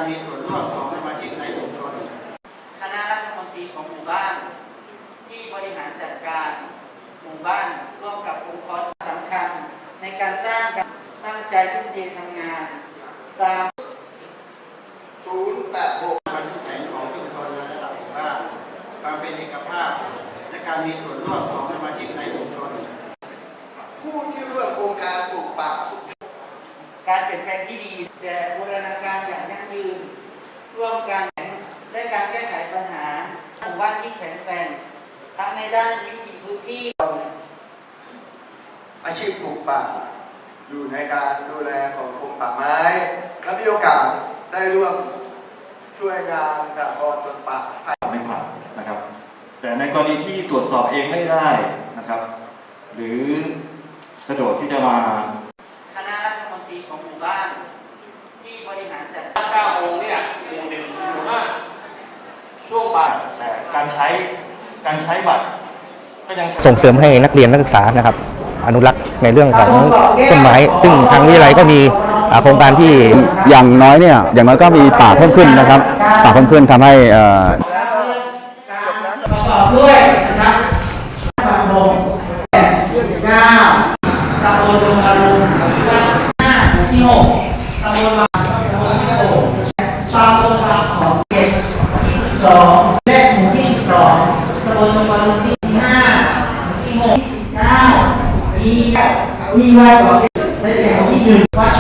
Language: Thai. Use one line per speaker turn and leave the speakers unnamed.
มีส่วนร่วมของสมาชิกในชุมชนคณะรัฐมนตรีของหมู่บ้านที่บริหารจัดการหมู่บ้านร่วมกับองค์กรสำคัญในการสร้างการตั้งใจทุ่มเททำงานตาม086มันทุกแห่งของชุมชนและระดับหมู่บ้านความเป็นเอกภาพและการมีส่วนร่วมของสมาชิกในชุมชนผู้ที่ร่วมโครงการปลูกป่าทุกการเปลี่ยนแปลงที่ดีแต่บูรณาการอย่างยั่งยืนร่วมกันและการแก้ไขปัญหาหมู่บ้านที่แข็งแกร่งทั้งในด้านวิถีพื้นที่อาชีพปลูกป่าอยู่ในการดูแลของกรมป่าไม้และมีโอกาสได้ร่วมช่วยงานสหกรณ์สวนป่า
ไม่ผ่านนะครับแต่ในกรณีที่ตรวจสอบเองไม่ได้นะครับหรือสะดวกที่จะมา
คณะรัฐมนตรีของหมู่บ้านที่บริหารจัด
การ9 โมงเนี่ยหมู่ 1 หมู่ 5ช่วงบ่าย
แต่การใช้บัตรก็ยัง
ส่งเสริมให้นักเรียนนักศึกษานะครับอนุรักษ์ในเรื่องของต้นไม้ซึ่งทางวิทยาลัยก็มีโครงการที่
อย่างน้อยก็มีป่าเพิ่มขึ้นนะครับป่าเพิ่มขึ้นทำให้
ประกอบด้วยนะครับตำบล9ตำบลดงอรุณที่ว่า5หมู่ที่6ตำบลบางตำบลที่6ตำบลบางของเก็บที่12และหมู่ที่12ตำบลดงอรุณที่5หมู่ที่6ที่19มีไว้ก่อนในแถวที่1วัด